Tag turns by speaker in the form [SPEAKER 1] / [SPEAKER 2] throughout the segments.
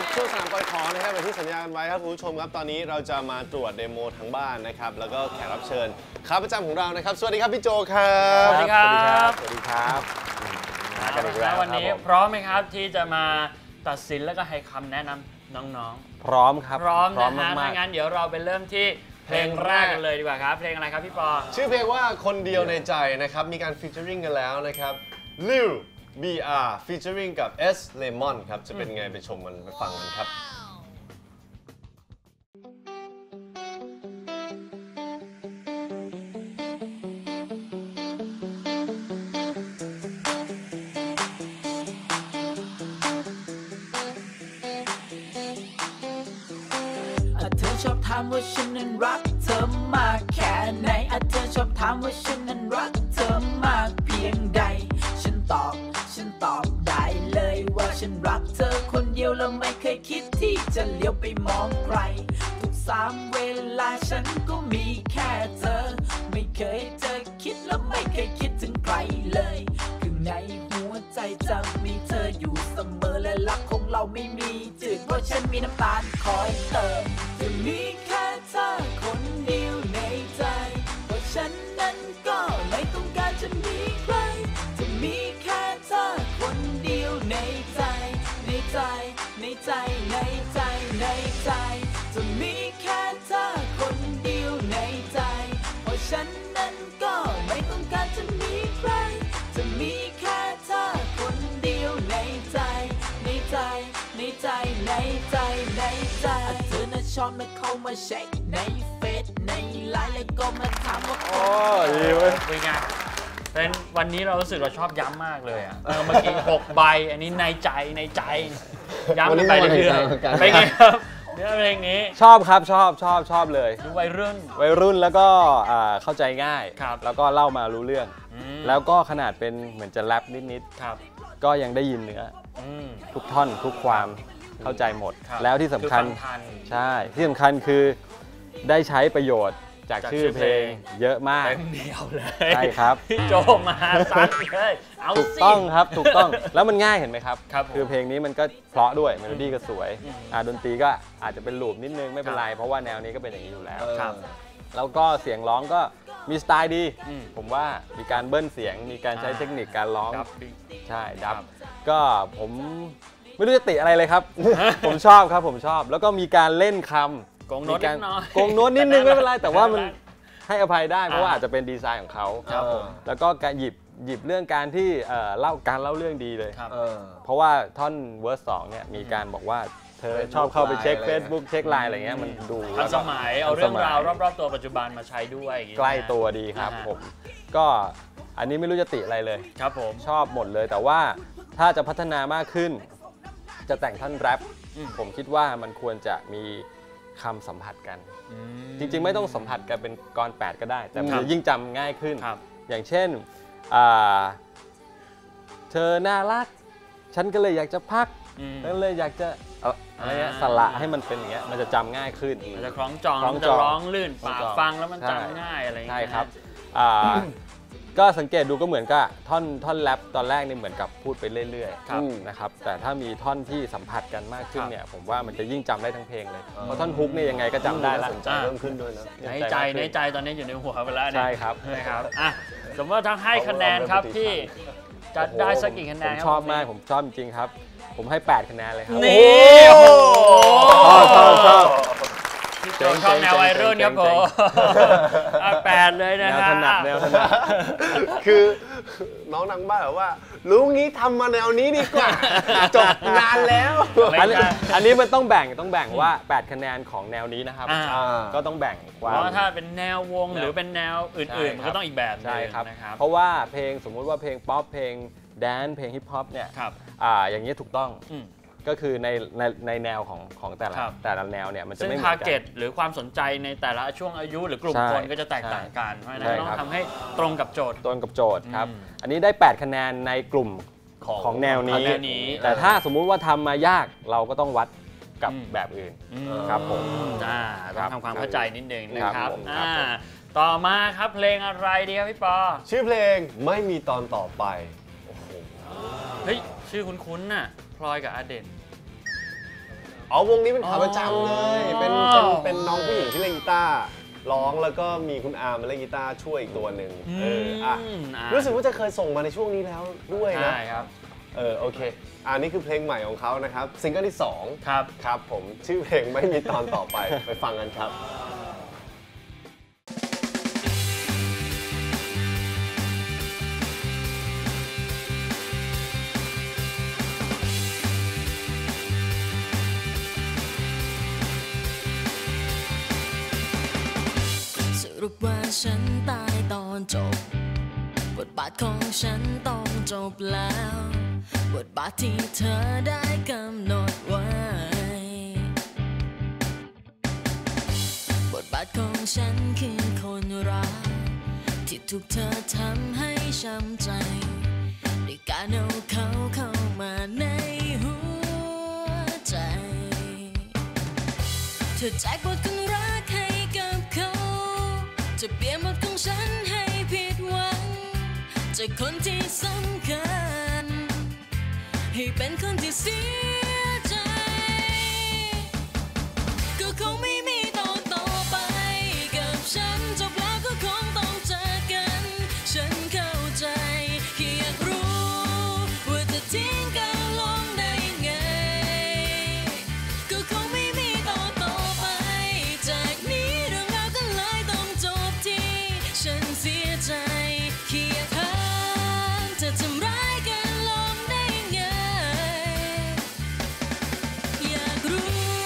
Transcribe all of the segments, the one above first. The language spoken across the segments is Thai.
[SPEAKER 1] ช่วง3ปอยขอนะครับอย่างที่สัญญากันไว้ครับคุณผู้ชมครับตอนนี้เราจะมาตรวจเดโมทั้งบ้านนะครับแล้วก็แขกรับเชิญขาประจำของเรานะครับสวัสดีครับพี่โจครับ
[SPEAKER 2] สวัสดีครับ
[SPEAKER 1] สวัสดีครับ
[SPEAKER 2] มากันอีกแล้ววันนี้พร้อมไหมครับที่จะมาตัดสินแล้วก็ให้คำแนะนำน้อง
[SPEAKER 3] ๆพร้อมครับ
[SPEAKER 2] พร้อมนะฮะถ้างั้นเดี๋ยวเราไปเริ่มที่เพลงแรกกันเลยดีกว่าครับเพลงอะไรครับพี่ปอ
[SPEAKER 1] ชื่อเพลงว่าคนเดียวในใจนะครับมีการฟีเจอริงกันแล้วนะครับลิว BR featuring กับ S Lemon ครับจะเป็นไงไปชมกันไปฟังกันครับ
[SPEAKER 4] เธอชอบถามว่าฉันนั้นรักเธอมากแค่ไหนเธอชอบถามว่าฉันนั้นรักเธอมากเพียงใดฉันตอบได้เลยว่าฉันรักเธอคนเดียวแล้วไม่เคยคิดที่จะเลี้ยวไปมองใครทุก3เวลาฉันก็มีแค่เธอไม่เคยจะคิดแล้วไม่เคยคิดถึงใครเลยคือในหัวใจจะมีเธออยู่เสมอและรักของเราไม่มีจืดเพราะฉันมีน้ำตาลคอยเติมจะมีแค่เธอคนเดียวในใจเพราะฉันนั้นก็ไม่ต้องการจะมีใครจะมีแค่เธอคนเดียวในใจในใจในใจในใจในใจจะมีแค่เธอคนเดียวในใจเพราะฉันนั้นก็ไม่ต้องการจะมีใครจะมีแค่เธอคนเดียวในใจในใจในใจในใจในใจเธอน่ะชอบมาเข้ามาเช็คในเฟซในไลน์แล้วก็มาถามว่าโอ้
[SPEAKER 3] ดีเว้ย
[SPEAKER 2] เป็นไงเป็นวันนี้เรารู้สึกเราชอบย้ำมากเลยอ่ะเมื่อกี้6ใบอันนี้ในใจย้ำกันไปเรื่อยๆไปไงครับเนื้อเพลงนี้
[SPEAKER 3] ชอบครับชอบเลย
[SPEAKER 2] วัย
[SPEAKER 3] รุ่นแล้วก็เข้าใจง่าย แล้วก็เล่ามารู้เรื่องแล้วก็ขนาดเป็นเหมือนจะแรปนิดๆก็ยังได้ยินเนื้อทุกท่อนทุกความเข้าใจหมดแล้วที่สำคัญใช่ที่สำคัญคือได้ใช้ประโยชน์จากชื่อเพลงเยอะมาก
[SPEAKER 2] เต็มเดียวเลย
[SPEAKER 3] ใช่ครับ
[SPEAKER 2] พี่โจมาซัดเลยเอาสิ
[SPEAKER 3] ถูกต้องครับถูกต้องแล้วมันง่ายเห็นไหมครับคือเพลงนี้มันก็เพราะด้วยเมโลดี้ก็สวยดนตรีก็อาจจะเป็นลูปนิดนึงไม่เป็นไรเพราะว่าแนวนี้ก็เป็นอย่างนี้อยู่แล้วแล้วก็เสียงร้องก็มีสไตล์ดีผมว่ามีการเบิ้ลเสียงมีการใช้เทคนิคการร้องใช่ดับก็ผมไม่รู้จะติอะไรเลยครับผมชอบครับผมชอบแล้วก็มีการเล่นคำ
[SPEAKER 2] โกงโน้ต
[SPEAKER 3] นิดนึงไม่เป็นไรแต่ว่ามันให้อภัยได้เพราะว่าอาจจะเป็นดีไซน์ของเขาแล้วก็การหยิบเรื่องการที่เล่าเรื่องดีเลยเพราะว่าท่อนเวอร์ส2เนี่ยมีการบอกว่าเธอชอบเข้าไปเช็ค Facebook เช็คไลน์อะไรเงี้ยมันดู
[SPEAKER 2] ทันสมัยเอาเรื่องราวรอบๆตัวปัจจุบันมาใช้ด้วย
[SPEAKER 3] ใกล้ตัวดีครับผมก็อันนี้ไม่รู้จะติอะไรเลย
[SPEAKER 2] ครับผม
[SPEAKER 3] ชอบหมดเลยแต่ว่าถ้าจะพัฒนามากขึ้นจะแต่งท่อนแรปผมคิดว่ามันควรจะมีคำสัมผัสกันจริงๆไม่ต้องสัมผัสกันเป็นกร8ก็ได้แต่มันยิ่งจำง่ายขึ้นอย่างเช่นเธอน่ารักฉันก็เลยอยากจะพักก็เลยอยากจะอะไรเงี้ยสละให้มันเป็นอย่างเงี้ยมันจะจำง่ายขึ้น
[SPEAKER 2] มันจะคล้องจองมันจะร้องลื่นปากฟังแล้วมันจำง่ายอะไรอย่างเงี้ย
[SPEAKER 3] ใช่ครับก็สังเกตดูก็เหมือนกับท่อนแรปตอนแรกนี่เหมือนกับพูดไปเรื่อยๆนะครับแต่ถ้ามีท่อนที่สัมผัสกันมากขึ้นเนี่ยผมว่ามันจะยิ่งจำได้ทั้งเพลงเลยเพราะท่อนฮุกเนี่ยยังไงก็จำได้แล้ว
[SPEAKER 1] เพิ่มขึ้นด้วยนะ
[SPEAKER 2] ในใจตอนนี้อยู่ในหัวไปแล้ว
[SPEAKER 3] ใช่ครับ
[SPEAKER 2] สมมติว่าทั้งให้คะแนนครับพี่จะได้สักกี่คะแนน
[SPEAKER 3] ผมชอบมากผมชอบจริงครับผมให้8คะแนนเลยครับ
[SPEAKER 2] นี่โอ้โห
[SPEAKER 3] ชอบ
[SPEAKER 2] ชอบแนววัยรุ่นครับผม8เลยนะฮะ
[SPEAKER 3] แนวถนัด
[SPEAKER 1] คือน้องนางบ้านบอกว่ารู้งี้ทำมาแนวนี้ดีกว่าจบงานแล้ว
[SPEAKER 3] อันนี้มันต้องแบ่งว่า8คะแนนของแนวนี้นะครับก็ต้องแบ่ง
[SPEAKER 2] ว่าถ้าเป็นแนววงหรือเป็นแนวอื่นๆมันก็ต้องอีกแบบ
[SPEAKER 3] ใช่ครับเพราะว่าเพลงสมมุติว่าเพลงป๊อปเพลงแดนซ์เพลงฮิปฮอปเนี่ยอย่างนี้ถูกต้องก็คือในแนวของแต่ละแนวเนี่ยมันจะไม่เหมือนกันซึ่ง
[SPEAKER 2] target หรือความสนใจในแต่ละช่วงอายุหรือกลุ่มคนก็จะแตกต่างกันเพราะฉะนั้นต้องทำให้ตรงกับโจทย์
[SPEAKER 3] ครับอันนี้ได้8คะแนนในกลุ่มของแนวนี้แต่ถ้าสมมุติว่าทำมายากเราก็ต้องวัดกับแบบอื่นครับผม
[SPEAKER 2] ต้องทำความเข้าใจนิดนึงนะครับต่อมาครับเพลงอะไรดีครับพี่ปอ
[SPEAKER 1] ชื่อเพลงไม่มีตอนต่อไป
[SPEAKER 2] เฮ้ยชื่อคุ้นๆน่ะพลอยกับอเด่น
[SPEAKER 1] อ๋อวงนี้เป็นขาประจำเลยเป็นน้องผู้หญิงที่เล่นกีตาร์ร้องแล้วก็มีคุณอาร์มาเล่นกีตาร์ช่วยอีกตัวหนึ่งรู้สึกว่าจะเคยส่งมาในช่วงนี้แล้วด้วยนะ
[SPEAKER 2] ใช่ครับ
[SPEAKER 1] โอเคนี่คือเพลงใหม่ของเขานะครับซิงเกิลที่2ครับผมชื่อเพลงไม่มีตอนต่อไปไปฟังกันครับ
[SPEAKER 5] สรุปว่าฉันตายตอนจบบทบาทของฉันต้องจบแล้วบทบาทที่เธอได้กำหนดไว้บทบาทของฉันคือคนรักที่ถูกเธอทำให้ช้ำใจด้วยการเอาเขาเข้ามาในหัวใจเธอแจกบทคนรักให้กับเขาจะเปลี่ยนบทของฉันให้ผิดหวังจากคนที่สำคัญให้เป็นคนที่เสียใจก็คงไม่มีต่อไปกับฉันจบแล้วก็คงต้องจากกันฉันเข้าใจแค่อยากรู้ว่าจะทิ้งกันลงได้ยังไงก็คงไม่มีต่อไปจากนี้เรื่องราวก็เลยต้องจบที่ฉันเสียใจแค่อยากถามจะทำร้ายกันลงได้ยังไงอยากรู้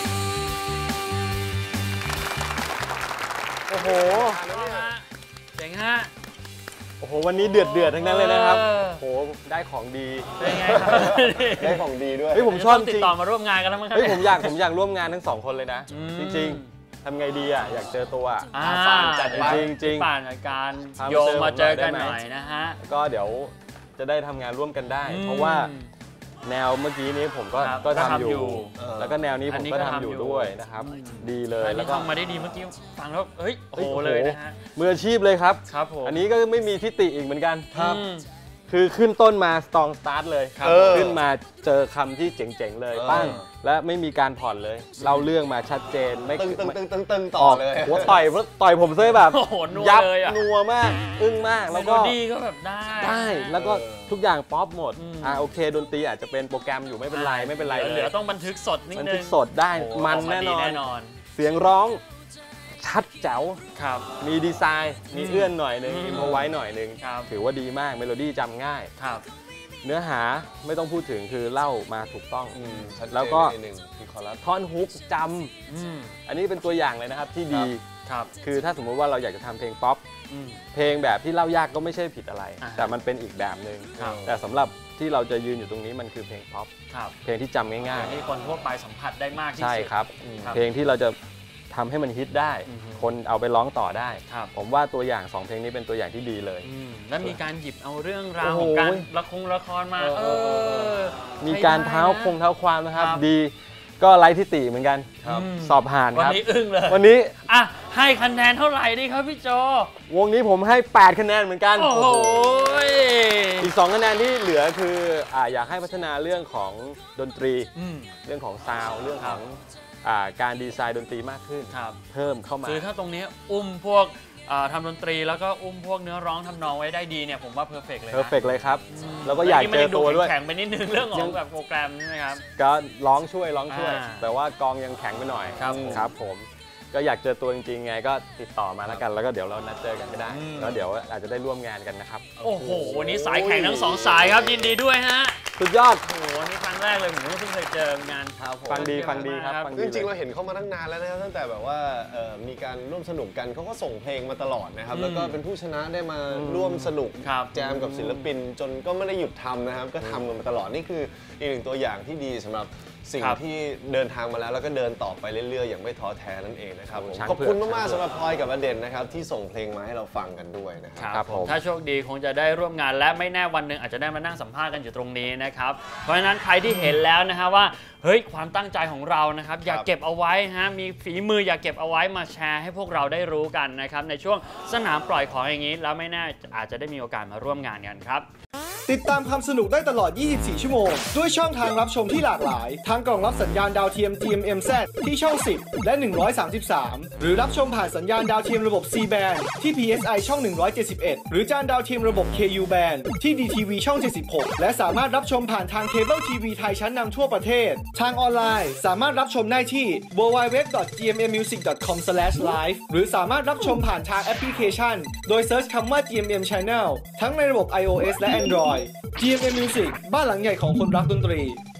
[SPEAKER 3] โอ้โห
[SPEAKER 2] เจ๋งฮะ
[SPEAKER 3] โอ้โหวันนี้เดือดทั้งนั้นเลยนะครับ
[SPEAKER 2] เออ
[SPEAKER 3] โอ้โหได้ของดี
[SPEAKER 2] เป็นไงครับ
[SPEAKER 1] ได้ของดีด้วย
[SPEAKER 3] เฮ้ยผมชอบจ
[SPEAKER 2] ติด
[SPEAKER 3] ริง
[SPEAKER 2] ต่อมาร่วมงานกันแล้วมั้งครับ
[SPEAKER 3] เฮ้ยผมอยากร่วมงานทั้ง2คนเลยนะ
[SPEAKER 2] อืม
[SPEAKER 3] จริงๆทำไงดีอ่ะอยากเจอตัวอะ
[SPEAKER 1] ป่านจัดไป
[SPEAKER 3] จริงๆ
[SPEAKER 2] ป่านกับการ
[SPEAKER 3] พามา
[SPEAKER 2] โยงมาเจอกัน
[SPEAKER 3] เจอผมห
[SPEAKER 2] ห
[SPEAKER 3] น่
[SPEAKER 2] น่
[SPEAKER 3] อ
[SPEAKER 2] อย ยนะฮะ
[SPEAKER 3] ก็เดี๋ยวจะได้ทำงานร่วมกันได้
[SPEAKER 2] อืม
[SPEAKER 3] เพราะว่าแนวเมื่อกี้นี้ผมก็
[SPEAKER 2] ครับ
[SPEAKER 3] ก็
[SPEAKER 2] ก็
[SPEAKER 3] ทำ
[SPEAKER 2] ทำ
[SPEAKER 3] อ
[SPEAKER 2] อยู่
[SPEAKER 3] ยู่ แล้วก็แนวนี้
[SPEAKER 2] อั
[SPEAKER 3] ผ
[SPEAKER 2] น
[SPEAKER 3] ม
[SPEAKER 2] นี้
[SPEAKER 3] ก็
[SPEAKER 2] ก็
[SPEAKER 3] ทำ
[SPEAKER 2] ทำ
[SPEAKER 3] อ
[SPEAKER 2] อยู่
[SPEAKER 3] ยู่ด้วยนะครับ ดีเลย
[SPEAKER 2] อัน
[SPEAKER 3] แล้ว
[SPEAKER 2] นี้
[SPEAKER 3] ก็
[SPEAKER 2] ทำมาได้ดีเมื่อกี้ฟังแล้วเฮ้ยโอ้โห
[SPEAKER 3] ฮ้
[SPEAKER 2] เลยนะฮะ
[SPEAKER 3] มืออาชีพเลยครับ
[SPEAKER 2] ครับผม
[SPEAKER 3] อันนี้ก็ไม่มีทิฏฐิอีกเหมือนกัน
[SPEAKER 2] ครับ
[SPEAKER 3] คือขึ้นต้นมาสตรองสตาร์ทเลย
[SPEAKER 1] ครับ
[SPEAKER 3] ขึ้นมาเจอคำที่เจ๋งๆเลย
[SPEAKER 1] เออ
[SPEAKER 3] ปั้งและไม่มีการผ่อนเลยเล่าเรื่องมาชัดเจนไม่
[SPEAKER 1] ตึงต่
[SPEAKER 3] อ
[SPEAKER 1] อ
[SPEAKER 3] อก
[SPEAKER 1] เลย
[SPEAKER 3] หัวต่อยผมซะแบบ
[SPEAKER 2] โอ้โหนัว
[SPEAKER 3] ยับ
[SPEAKER 2] เลยอะ
[SPEAKER 3] นัวมาก อึ้งมาก
[SPEAKER 2] แล้
[SPEAKER 3] แล้ว ว
[SPEAKER 2] ก็
[SPEAKER 3] ก็
[SPEAKER 2] ดีก็แบบได้
[SPEAKER 3] ได้แล้วก็ทุกอย่างป๊อปหมด
[SPEAKER 2] อืม
[SPEAKER 3] โอเคดนตรีอาจจะเป็นโปรแกรมอยู่ไม่เป็นไรไม่เป็นไร
[SPEAKER 2] เห
[SPEAKER 3] เล
[SPEAKER 2] ลื
[SPEAKER 3] ย
[SPEAKER 2] อต้องบันทึกสดนิด
[SPEAKER 3] มัน
[SPEAKER 2] นึ
[SPEAKER 3] ทึ
[SPEAKER 2] ง
[SPEAKER 3] กสดได้
[SPEAKER 2] โอ้โห
[SPEAKER 3] มัน
[SPEAKER 2] ออกา
[SPEAKER 3] แน่
[SPEAKER 2] ดี
[SPEAKER 3] นอน
[SPEAKER 2] แน่นอน
[SPEAKER 3] เสียงร้องชัดแจ๋ว
[SPEAKER 2] ครับ
[SPEAKER 3] มีดีไซน์มีเอื้อนหน่อยนึง
[SPEAKER 2] อืม
[SPEAKER 3] อิมพอไว้หน่อยนึง
[SPEAKER 2] ครับ
[SPEAKER 3] ถือว่าดีมากเมโลดี้จำง่าย
[SPEAKER 2] ครับ
[SPEAKER 3] เนื้อหาไม่ต้องพูดถึงคือเล่ามาถูกต้อง
[SPEAKER 1] ชัดเจน
[SPEAKER 3] แล้วก็
[SPEAKER 1] นิดนึงที่คอรัส
[SPEAKER 3] ท่อนฮุกจ
[SPEAKER 2] อืม
[SPEAKER 3] ำอันนี้เป็นตัวอย่างเลยนะครับที่ดี
[SPEAKER 2] ครับ
[SPEAKER 3] คือถ้าสมมุติว่าเราอยากจะทำเพลงป๊อป
[SPEAKER 2] อืม
[SPEAKER 3] เพลงแบบที่เล่ายากก็ไม่ใช่ผิดอะไร
[SPEAKER 2] อ่าฮะ
[SPEAKER 3] แต่มันเป็นอีกแบบหนึ่ง
[SPEAKER 2] ครับ
[SPEAKER 3] แต่สำหรับที่เราจะยืนอยู่ตรงนี้มันคือเพลงป๊อป
[SPEAKER 2] ครับ
[SPEAKER 3] เพลงที่จำง่าย
[SPEAKER 2] ที่คนทั่วไปสัมผัสได้มากที่
[SPEAKER 3] ๆ ใช่
[SPEAKER 2] สุด
[SPEAKER 3] ครับ
[SPEAKER 2] ครับ
[SPEAKER 3] เพลงที่เราจะทำให้มันฮิตได้
[SPEAKER 2] อือฮึ
[SPEAKER 3] คนเอาไปร้องต่อได้
[SPEAKER 2] ครับ
[SPEAKER 3] ผมว่าตัวอย่าง2เพลงนี้เป็นตัวอย่างที่ดีเลย
[SPEAKER 2] แล้วมีการหยิบเอาเรื่องราว
[SPEAKER 3] โอ้โห
[SPEAKER 2] ของการละครมา
[SPEAKER 3] มีการเท้าความนะครับ ดี ก็ไร้ทิฏฐิเหมือนกัน
[SPEAKER 2] ครับ
[SPEAKER 3] สอบผ่าน
[SPEAKER 2] วัน
[SPEAKER 3] ครับ
[SPEAKER 2] นี้อึ้งเลย
[SPEAKER 3] วันนี้
[SPEAKER 2] อ่ะให้คะแนนเท่าไหร่ดีครับพี่โจ
[SPEAKER 3] วงนี้ผมให้ 8 คะแนนเหมือนกัน
[SPEAKER 2] โอ้โห
[SPEAKER 3] อีก 2 คะแนนที่เหลือคืออยากให้พัฒนาเรื่องของดนตรี เรื่องของซาวด์เรื่องของการดีไซน์ดนตรีมากขึ้น
[SPEAKER 2] ครับ
[SPEAKER 3] เพิ่มเข้ามา
[SPEAKER 2] คือถ้าตรงนี้อุ้มพวกทำดนตรีแล้วก็อุ้มพวกเนื้อร้องทำนองไว้ได้ดีเนี่ยผมว่าเพอร์เฟกเลยนะ
[SPEAKER 3] เพอร์เฟกเลยครับ แล้วก็อยากเจอตัวด้วย
[SPEAKER 2] แข็งไปนิดนึงเรื่องของแบบโปรแกรมใช่ไหมครับ
[SPEAKER 3] ก็ร้องช่วย
[SPEAKER 2] อ่า
[SPEAKER 3] แต่ว่ากองยังแข็งไปหน่อย
[SPEAKER 2] ครับผม
[SPEAKER 3] ครับผมก็อยากเจอตัวจริงๆไงก็ติดต่อมาแล้วกัน แล้วก็เดี๋ยวเรานัดเจอกันก็ได้ แล้วเดี๋ยวอาจจะได้ร่วมงานกันนะครับ
[SPEAKER 2] โอ้โหวันนี้สายแข็งทั้งสองสายครับยินดีด้วยฮะ
[SPEAKER 3] สุดยอด
[SPEAKER 2] โอ้โหนี่ครั้งแรกเลยผมก็เพิ่งเคยเจองานครับผม
[SPEAKER 3] ฟังดีครับฟัง
[SPEAKER 1] จ
[SPEAKER 3] ดี
[SPEAKER 1] ริงๆ
[SPEAKER 3] เล
[SPEAKER 1] เรา
[SPEAKER 3] ย
[SPEAKER 1] เห็นเขามาตั้งนานแล้วนะครับตั้งแต่แบบว่ามีการร่วมสนุกกันเขาก็ส่งเพลงมาตลอดนะครับแล้วก็เป็นผู้ชนะได้มาร่วมสนุก
[SPEAKER 2] ครับ
[SPEAKER 1] แจมกับศิลปินจนก็ไม่ได้หยุดทำนะครับก็ทำกันมาตลอดนี่คืออีกหนึ่งตัวอย่างที่ดีสำหรับสิ่ง
[SPEAKER 2] ครับ
[SPEAKER 1] ที่เดินทางมาแล้วแล้วก็เดินต่อไปเรื่อยๆอย่างไม่ท้อแท้นั่นเองนะครับผม
[SPEAKER 3] ช้าง
[SPEAKER 1] ขอบคุณ
[SPEAKER 3] เผือก
[SPEAKER 1] มากๆสำหรับพลอยกับอเด่นนะครับที่ส่งเพลงมาให้เราฟังกันด้วยนะครับ
[SPEAKER 3] ครับผม
[SPEAKER 2] ถ้าโชคดีคงจะได้ร่วมงานและไม่แน่วันหนึ่งอาจจะได้มานั่งสัมภาษณ์กันอยู่ตรงนี้นะครับเพราะฉะนั้นใครที่เห็นแล้วนะฮะว่าเฮ้ยความตั้งใจของเรานะครับอยากเก็บเอาไว้ฮะมีฝีมืออยากเก็บเอาไว้มาแชร์ให้พวกเราได้รู้กันนะครับในช่วงสนามปล่อยของอย่างนี้แล้วไม่แน่อาจจะได้มีโอกาสมาร่วมงานกันครับ
[SPEAKER 6] ติดตามความสนุกได้ตลอด 24 ชั่วโมงด้วยช่องทางรับชมที่หลากหลายทั้งกล่องรับสัญญาณดาวเทียม GMMZ ที่ช่อง 10 และ 133 หรือรับชมผ่านสัญญาณดาวเทียมระบบ C band ที่ PSI ช่อง 171 หรือจานดาวเทียมระบบ KU band ที่ DTV ช่อง 76 และสามารถรับชมผ่านทางเคเบิลทีวีไทยชั้นนำทั่วประเทศทางออนไลน์สามารถรับชมได้ที่ www.gmmmusic.com/live หรือสามารถรับชมผ่านทางแอปพลิเคชันโดยเซิร์ชคำว่า GMM Channel ทั้งในระบบ iOS และ Android GMM Music บ้านหลังใหญ่ของคนรักดนตรี